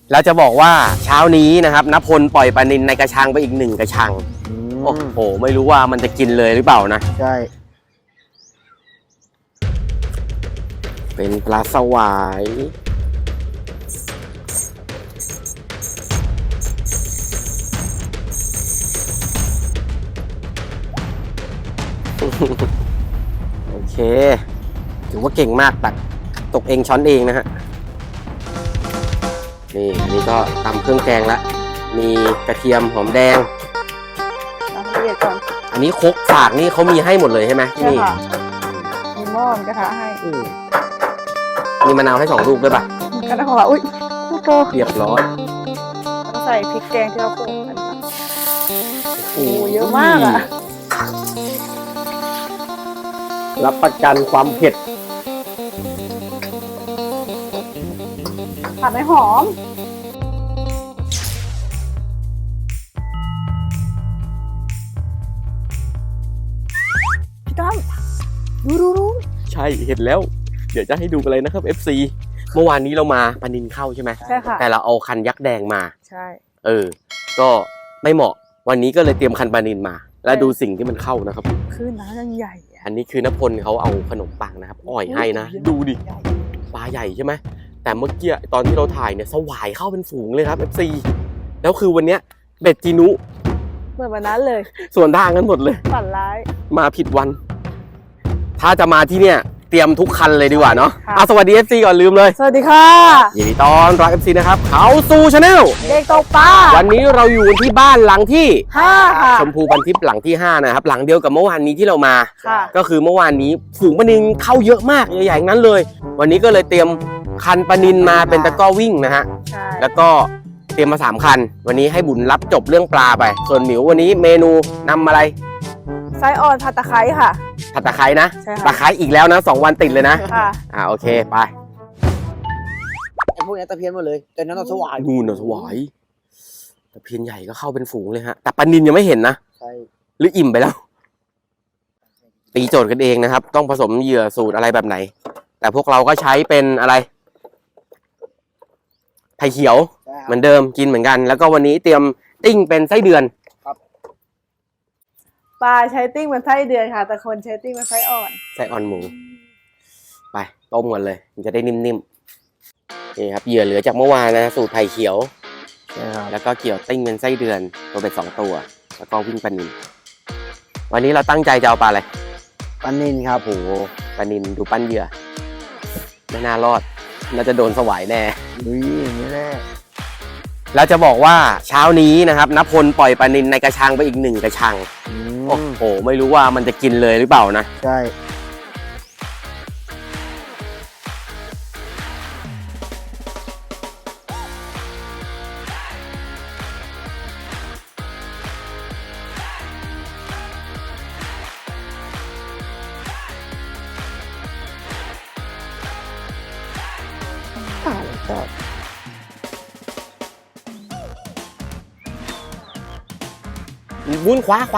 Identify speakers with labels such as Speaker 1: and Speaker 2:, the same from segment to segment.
Speaker 1: แล้วจะบอกว่าเช้านี้นะครับณพลปล่อยปลานิลในกระชังไปอีก1 กระชังโอ้โหไม่รู้ว่ามันจะกินเลยหรือเปล่านะ
Speaker 2: ใช่
Speaker 1: เป็นปลาสวายโอเคถือว่าเก่งมากตักตกเองช้อนเองนะฮะนี่อันนี้ก็ตำเครื่องแกงละมีกระเทียมหอมแดง
Speaker 3: ละเอียดก่อน
Speaker 1: อันนี้ครกฝากนี่เขามีให้หมดเลยใช่ไหม
Speaker 3: ใช่ค่ะมีหม้อมีกระทะให้
Speaker 1: มีมะนาวให้2 ลูกด้วยป่ะ
Speaker 3: กระทะของเราอุ้ยลูกโต
Speaker 1: เรียบร้อย
Speaker 3: แล้วใส่พริกแกงที่เราโขลกกันค่ะโอ้เยอะมากอ่ะ
Speaker 1: รับประกันความเผ็ด
Speaker 3: ผัดให้หอมพี่ตั้มดู
Speaker 1: ใช่เห็นแล้วเดี๋ยวจะให้ดูกันเลยนะครับ FC เมื่อวานนี้เรามาปลานิลเข้าใช่ไหม
Speaker 3: ใช่ค่ะ
Speaker 1: แต่เราเอาคันยักษ์แดงมา
Speaker 3: ใช่
Speaker 1: ก็ไม่เหมาะวันนี้ก็เลยเตรียมคันปลานิลมาแล้วดูสิ่งที่มันเข้านะครับ
Speaker 3: คือน้ำยังใหญ่
Speaker 1: อันนี้คือณพลเขาเอาขนมปังนะครับอ่อยให้นะดูดิปลาใหญ่ใช่ไหมแต่เมื่อกี้ตอนที่เราถ่ายเนี่ยสวายเข้าเป็นฝูงเลยครับ FC แล้วคือวันเนี้ยเบ็ดจีนุ
Speaker 3: เหมือนวันนั้นเลย
Speaker 1: ส่วนทางกันหมดเลย
Speaker 3: ฝันร้าย
Speaker 1: มาผิดวันถ้าจะมาที่เนี่ยเตรียมทุกคันเลยดีกว่าเนาะสวัสดี FC ก่อนลืมเลย
Speaker 3: สวัสดีค่ะ
Speaker 1: ยินดีต้อนรับ FC นะครับเขาสู่ชาแนล
Speaker 3: เด็กตกปลา
Speaker 1: วันนี้เราอยู่ที่บ้านหลังที่
Speaker 3: 5ค่ะ
Speaker 1: ชมพูพันทิพย์หลังที่5นะครับหลังเดียวกับเมื่อวานนี้ที่เรามาก็คือเมื่อวานนี้ฝูงปลานิลเข้าเยอะมากใหญ่ๆนั้นเลยวันนี้ก็เลยเตรียมคันปลานิลมาเป็นตะกร้อวิ่งนะฮะแล้วก็เตรียมมา3 คันวันนี้ให้บุญรับจบเรื่องปลาไปส่วนหมิววันนี้เมนูนำอะไร
Speaker 3: ไส้อ่อนผัดตะไคร้ค่ะ
Speaker 1: ผัดตะไคร้นะตะไคร้อีกแล้วนะ2 วันติดเลยนะโอเคไป
Speaker 2: ไอ้พวกนี้ตะเพียนหมดเลยแต่นั้นเราสวาย
Speaker 1: นู่นเราสวายตะเพียนใหญ่ก็เข้าเป็นฝูงเลยฮะแต่ปลานิลยังไม่เห็นนะ
Speaker 2: ใช่
Speaker 1: หรืออิ่มไปแล้วตีโจทย์กันเองนะครับต้องผสมเหยื่อสูตรอะไรแบบไหนแต่พวกเราก็ใช้เป็นอะไรไผ่เขียวเหมือนเดิมกินเหมือนกันแล้วก็วันนี้เตรียมติ้งเป็นไส้เดือน
Speaker 3: ปลาใช้ติ้งเป็นไส้เดือนค่ะแต่คนใช้ติ้งเป็นไส้อ่อน
Speaker 1: หมูไปต้มกันเลยมันจะได้นิ่มๆนี่ครับเหยื่อเหลือจากเมื่อวานนะสูตรไผ่เขียวแล้วก็เกี่ยวติ้งเป็นไส้เดือนตัวเป็น2 ตัวแล้วก็วิ่งปลานิลวันนี้เราตั้งใจจะเอาปลาอะไร
Speaker 2: ปลานิลครับ
Speaker 1: โอ้ปลานิลดูปั้นเหยื่อไม่น่ารอดน่าจะโดนสวายแน่
Speaker 2: อย่างนี้แน่
Speaker 1: แล้วจะบอกว่าเช้านี้นะครับณพลปล่อยปลานิลในกระชังไปอีก1 กระชังโอ้โหไม่รู้ว่ามันจะกินเลยหรือเปล่านะ
Speaker 2: ใช่
Speaker 1: วุ้นขวา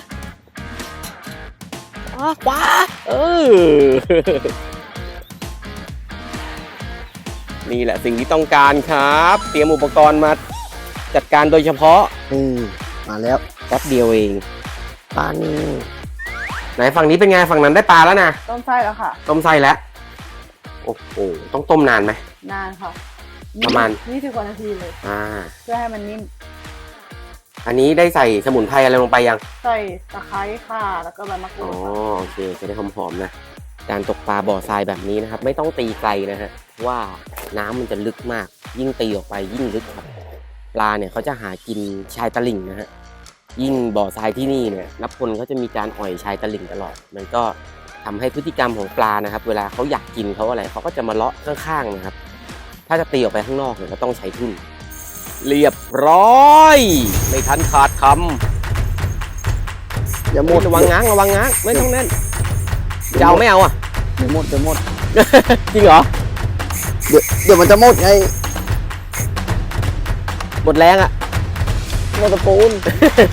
Speaker 1: นี่แหละสิ่งที่ต้องการครับเตรียมอุปกรณ์มาจัดการโดยเฉพาะ
Speaker 2: มาแล้ว
Speaker 1: แป๊บเดียวเองปลานี่ไหนฝั่งนี้เป็นไงฝั่งนั้นได้ปลาแล้วนะ
Speaker 3: ต้มไส้แล้วค่ะ
Speaker 1: ต้มไส้แล้วโอ้โหต้องต้มนานไหม
Speaker 3: นานค่ะ
Speaker 1: ประมาณ
Speaker 3: 20 กว่านาทีเลยเพื่อให้มันนิ่ม
Speaker 1: อันนี้ได้ใส่สมุนไพรอะไรลงไปยัง
Speaker 3: ใส่ตะไคร้ค่ะแล้วก็ใบมะกรูด
Speaker 1: โอเคจะได้หอมๆนะการตกปลาบ่อทรายแบบนี้นะครับไม่ต้องตีไกลนะฮะว่าน้ำมันจะลึกมากยิ่งตีออกไปยิ่งลึกครับปลาเนี่ยเขาจะหากินชายตลิ่งนะฮะยิ่งบ่อทรายที่นี่เนี่ยณพลเขาจะมีการอ่อยชายตลิ่งตลอดมันก็ทำให้พฤติกรรมของปลานะครับเวลาเขาอยากกินเขาอะไรเขาก็จะมาเลาะข้างๆนะครับถ้าจะตีออกไปข้างนอกเนี่ยเราต้องใช้ทุ่นเรียบร้อยไม่ทันขาดคำอย่าหมดระวังง้างไม่ต้องแน่นจะเอาไม่เอา
Speaker 2: เดี๋ยวหมด
Speaker 1: จริงเหรอ
Speaker 2: เดี๋ยวมันจะหมดไง
Speaker 1: หมดแรง
Speaker 2: หมดตะปูน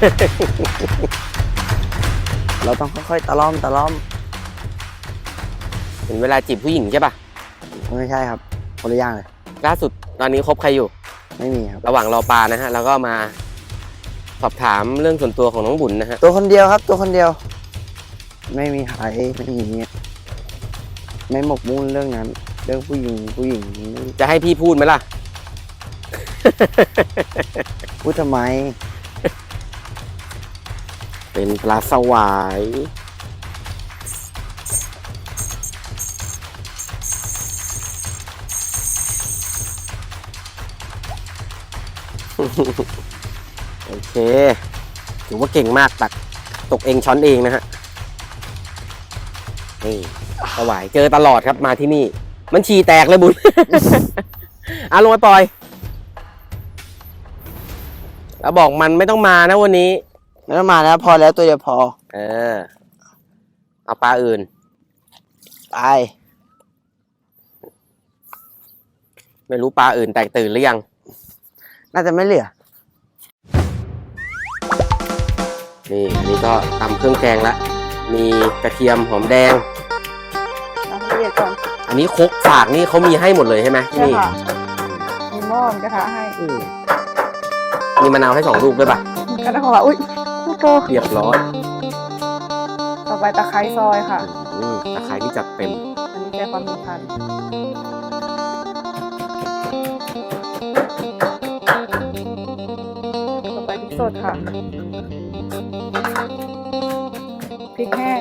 Speaker 2: เราต้องค่อยๆตะล่อม
Speaker 1: เห็นเวลาจีบผู้หญิงใช่ป่ะ
Speaker 2: ไม่ใช่ครับคนละอย่างเลย
Speaker 1: ล่าสุดตอนนี้คบใครอยู่
Speaker 2: ไม่มีครับ
Speaker 1: ระหว่างรอปลานะฮะเราก็มาสอบถามเรื่องส่วนตัวของน้องบุญนะฮะ
Speaker 2: ตัวคนเดียวครับ ตัวคนเดียว ไม่มีใครไม่มีไม่หมกมุ่นเรื่องนั้น เรื่องผู้หญิง
Speaker 1: จะให้พี่พูดไหมล่ะ
Speaker 2: พูดทำไม
Speaker 1: เป็นปลาสวาย โอเคถือว่าเก่งมากตักตกเองช้อนเองนะฮะนี่สวายเจอตลอดครับมาที่นี่ มันฉี่แตกเลยบุญ ลงไปปล่อย แล้วบอกมันไม่ต้องมานะวันนี้
Speaker 2: ไม่ต้องมาแล้วพอแล้วตัวเดียวพอ
Speaker 1: เอาปลาอื่น
Speaker 2: ไป
Speaker 1: ไม่รู้ปลาอื่นแตกตื่นหรือยัง
Speaker 2: น่าจะไม่เหลือ
Speaker 1: นี่อันนี้ก็ตำเครื่องแกงละ มีกระเทียมหอมแดง
Speaker 3: น้ำละเอียดก่อน
Speaker 1: อันนี้ครกสากนี่เขามีให้หมดเลยใช่ไหม
Speaker 3: ใช่
Speaker 1: นี่
Speaker 3: ค่ะมีหม้อมีกระทะให้
Speaker 1: มีมะนาวให้2 ลูกด้วยป่ะ
Speaker 3: กระทะของเราอุ้ยลูกโต
Speaker 1: เรียบร้อย
Speaker 3: ต่อไปตะไคร้ซอยค่ะ
Speaker 1: ตะไคร้ที่จัดเต็ม
Speaker 3: อันนี้แก้ความมีพันธุ์ต่อไปพริกสดค่ะพริกแห้ง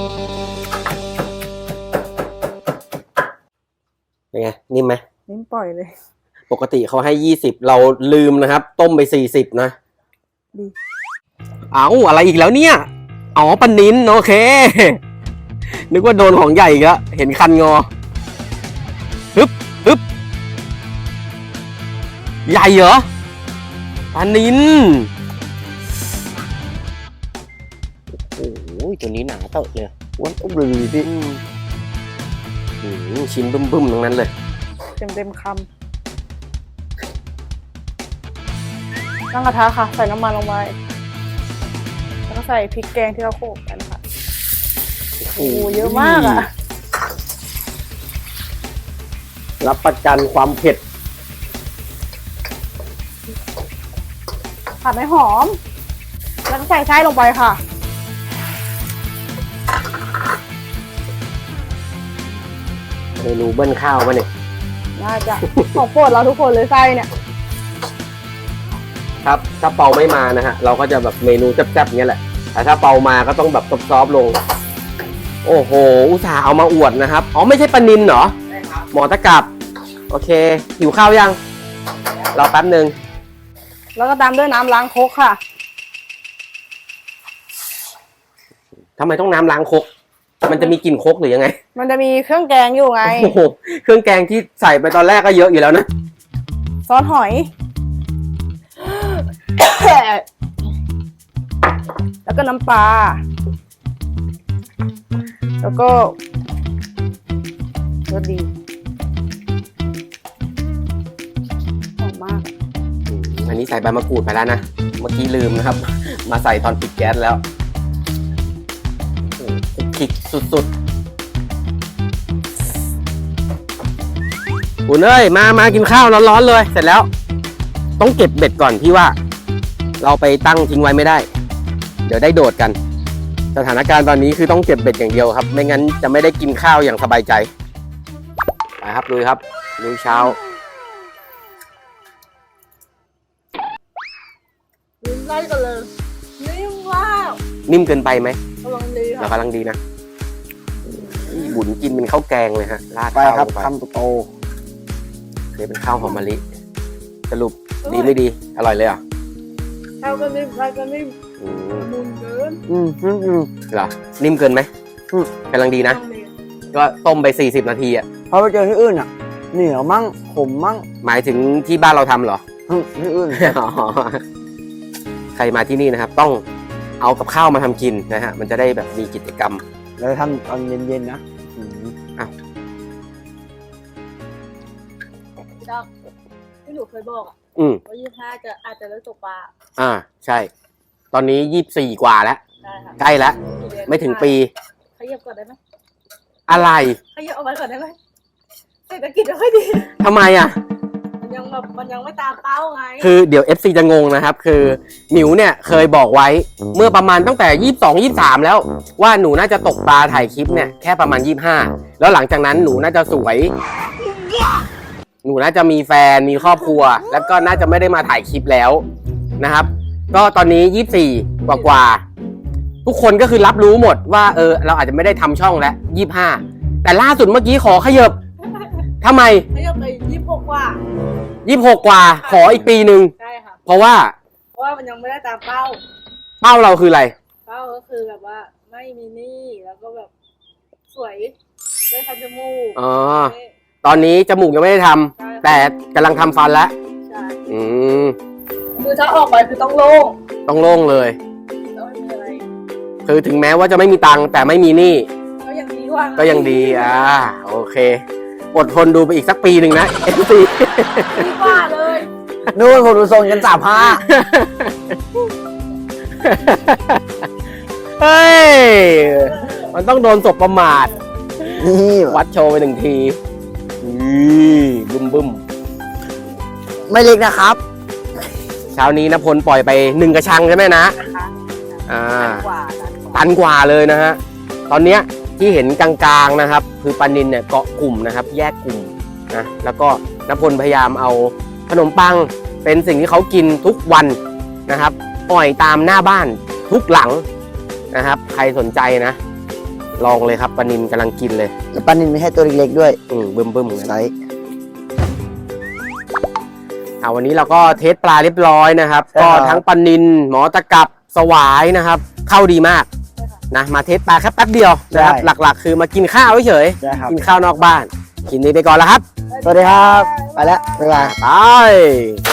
Speaker 1: เป็นไง นิ่มไหม
Speaker 3: นิ้มปล่อยเลย
Speaker 1: ปกติเขาให้20เราลืมนะครับ ต้มไป40นะ
Speaker 3: ดี
Speaker 1: เอาอะไรอีกแล้วเนี่ย อ๋อปลานินโอเค นึกว่าโดนของใหญ่อีกแล้วเห็นคันงอฮึบใหญ่เหรอปลานินโอ้โหตัวนี้หนาเตอะเลย
Speaker 2: อ้วนอุ๊บเลยพี่
Speaker 1: ชิ้นบึ้มๆตรงนั้นเลย
Speaker 3: เต็มคำตั้งกระทะค่ะ ใส่น้ำมันลงไปแล้วก็ใส่พริกแกงที่เราโขลกกันค่ะโอ้เยอะมากอ่ะ
Speaker 1: รับประกันความเผ็ด
Speaker 3: ผัดให้หอม แล้วก็ใส่ไส้ลงไปค่ะ
Speaker 1: เมนูเบิ้ลข้าวมาเนี่ย
Speaker 3: น่าจะ ของโปรดเราทุกคนเลยไส้เนี่ย
Speaker 1: ครับ ถ้าเปาไม่มานะฮะ เราก็จะแบบเมนูแซ่บๆเงี้ยแหละ แต่ถ้าเปามาก็ต้องแบบซอฟๆลง โอ้โห อุตส่าห์เอามาอวดนะครับ อ๋อ ไม่ใช่ปลานินเหรอ หมอตะกับ โอเค หิวข้าวยัง รอแป๊บหนึ่ง
Speaker 3: แล้วก็ตามด้วยน้ำล้างครกค่ะ
Speaker 1: ทำไมต้องน้ำล้างครก มันจะมีกลิ่นครกหรือยังไง
Speaker 3: มันจะมีเครื่องแกงอยู่ไง
Speaker 1: โอ้โห เครื่องแกงที่ใส่ไปตอนแรกก็เยอะอยู่แล้วนะ
Speaker 3: ซอสหอย แล้วก็น้ำปลา แล้วก็รสดีหอมมาก
Speaker 1: อันนี้ใส่ใบมะกรูดไปแล้วนะ เมื่อกี้ลืมนะครับ มาใส่ตอนปิดแก๊สแล้วโอ้โหคลุกคลิกสุดๆคุณเอ้ย มากินข้าวร้อนๆเลย เสร็จแล้ว ต้องเก็บเบ็ดก่อนพี่ว่า เราไปตั้งทิ้งไว้ไม่ได้ เดี๋ยวได้โดดกัน สถานการณ์ตอนนี้คือต้องเก็บเบ็ดอย่างเดียวครับ ไม่งั้นจะไม่ได้กินข้าวอย่างสบายใจ ไปครับลุยครับลุยเช้า
Speaker 3: ลิ้นไส้กันเลยนิ่มมาก
Speaker 1: นิ่มเกินไปไหม
Speaker 3: กำลังดี
Speaker 1: เรา
Speaker 3: ค่ะ
Speaker 1: กำลังดีนะบุญกินเป็นข้าวแกงเลยฮะราด
Speaker 2: ไป
Speaker 1: ข้าว
Speaker 2: ครับ
Speaker 1: ลงไป
Speaker 2: คำโต
Speaker 1: เดี๋ยวเป็นข้าวหอมมะลิ สรุปดีไม่ดี อร่อยเลยเหรอ่ะ
Speaker 3: ข้าวก็นิ่มไส้ก็นิ่ม
Speaker 1: อืม
Speaker 3: มุนเกิน
Speaker 1: เหรอ นิ่มเกินไหม
Speaker 2: อืม
Speaker 1: กำลังดีนะ
Speaker 3: ต้องดี
Speaker 1: ก็ต้มไป40 นาทีอ่ะ
Speaker 2: พอไปเจอที่อื่นอ่ะ เหนียวมั่งขมมั่ง
Speaker 1: หมายถึงที่บ้านเราทำเหรอ
Speaker 2: ที่อื่น
Speaker 1: อ๋อใครมาที่นี่นะครับ ต้องเอากับข้าวมาทำกินนะฮะ มันจะได้แบบมีกิจกรรม
Speaker 2: เราทำตอนเย็นๆนะ
Speaker 3: พี่ดอกที่หนูเคยบอกอ่ะ
Speaker 1: อืม
Speaker 3: ว่า25อาจจะเลิกตกปลา
Speaker 1: ใช่ ตอนนี้24 กว่าแล้ว
Speaker 3: ได้ค่ะ
Speaker 1: ใกล้แล้ว ไม่ถึงปี
Speaker 3: ขยับก่อนได้ไหม
Speaker 1: อะไร
Speaker 3: ขยับเอาไว้ก่อนได้ไหมเศรษฐกิจไม่ค่อยดี
Speaker 1: ทำไมอ่ะ
Speaker 3: มมันยังไม่ตามเป้าไง
Speaker 1: คือเดี๋ยว FC จะงงนะครับ คือหมิวเนี่ยเคยบอกไว้เมื่อประมาณตั้งแต่ 22-23 แล้ว ว่าหนูน่าจะตกปลาถ่ายคลิปเนี่ยแค่ประมาณ 25 แล้วหลังจากนั้นหนูน่าจะสวย หนูน่าจะมีแฟนมีครอบครัว แล้วก็น่าจะไม่ได้มาถ่ายคลิปแล้วนะครับ ก็ตอนนี้ 24 กว่าๆทุกคนก็คือรับรู้หมดว่าเราอาจจะไม่ได้ทำช่องแล้ว 25 แต่ล่าสุดเมื่อกี้ขอขยับทำไม
Speaker 3: ไม่ยอมไป26 กว่า
Speaker 1: 26 กว่าขออีกปีหนึ่ง
Speaker 3: ใช่ค่ะ
Speaker 1: เพราะว่า
Speaker 3: เพราะว่ามันยังไม่ได้ตามเป้า
Speaker 1: เป้าเราคืออะไร
Speaker 3: เป้าก็คือแบบว่าไม่มีหนี้แล้วก็แบบสวยได้ทำจมูก
Speaker 1: อ๋อ ตอนนี้จมูกยังไม่ได้ทำ
Speaker 3: ใช่
Speaker 1: แต่กำลังทำฟันแล้ว
Speaker 3: ใช่
Speaker 1: อืม
Speaker 3: คือถ้าออกไปคือต้องโล่ง
Speaker 1: ต้องโล่งเลย
Speaker 3: ต้องไม่มีอะไร
Speaker 1: คือถึงแม้ว่าจะไม่มีตังค์แต่ไม่มีหนี้
Speaker 3: ก็ยังดีกว่า
Speaker 1: ก็ยังดีโอเค อดทนดูไปอีกสักปีหนึ่งนะ FC
Speaker 3: ดีกว่าเลย
Speaker 2: นู่นผมดูทรงกัน35
Speaker 1: เฮ้ย มันต้องโดนศพประมาท
Speaker 2: นี่
Speaker 1: วัดโชว์ไปหนึ่งทีบึ้มบึ้ม
Speaker 2: ไม่เล็กนะครับ
Speaker 1: เช้านี้นพลปล่อยไป1 กระชังใช่ไหมนะ
Speaker 3: นะคะ
Speaker 1: ตั
Speaker 3: ตันกว่า
Speaker 1: นกว่าเลยนะฮะ ตอนเนี้ยที่เห็นกลางๆนะครับ คือปลานิลเนี่ยเกาะกลุ่มนะครับ แยกกลุ่มนะ แล้วก็นพลพยายามเอาขนมปังเป็นสิ่งที่เขากินทุกวันนะครับปล่อยตามหน้าบ้านทุกหลังนะครับ ใครสนใจนะ ลองเลยครับปลานิลกำลังกินเลย
Speaker 2: แล้วปลานิลไม่ใช่ตัวเล็กๆด้วย
Speaker 1: บึ้มบึ้มๆ
Speaker 2: ไซส์
Speaker 1: วันนี้เราก็เทสปลาเรียบร้อยนะครับ
Speaker 2: ใช่
Speaker 1: ก็
Speaker 2: ครับ
Speaker 1: ทั้งปลานิลหมอตะกับสวายนะครับ เข้าดีมากนะมาเทสปลาแค่แป๊บเดียวนะครับ หลักๆ คือมากินข้าวเฉย
Speaker 2: ใช่ครับ
Speaker 1: กินข้าวนอกบ้านกินนี้ไปก่อนแล้วครับ
Speaker 2: สวัสดีครับ ไปแล้ว บ๊ายบาย
Speaker 1: ไป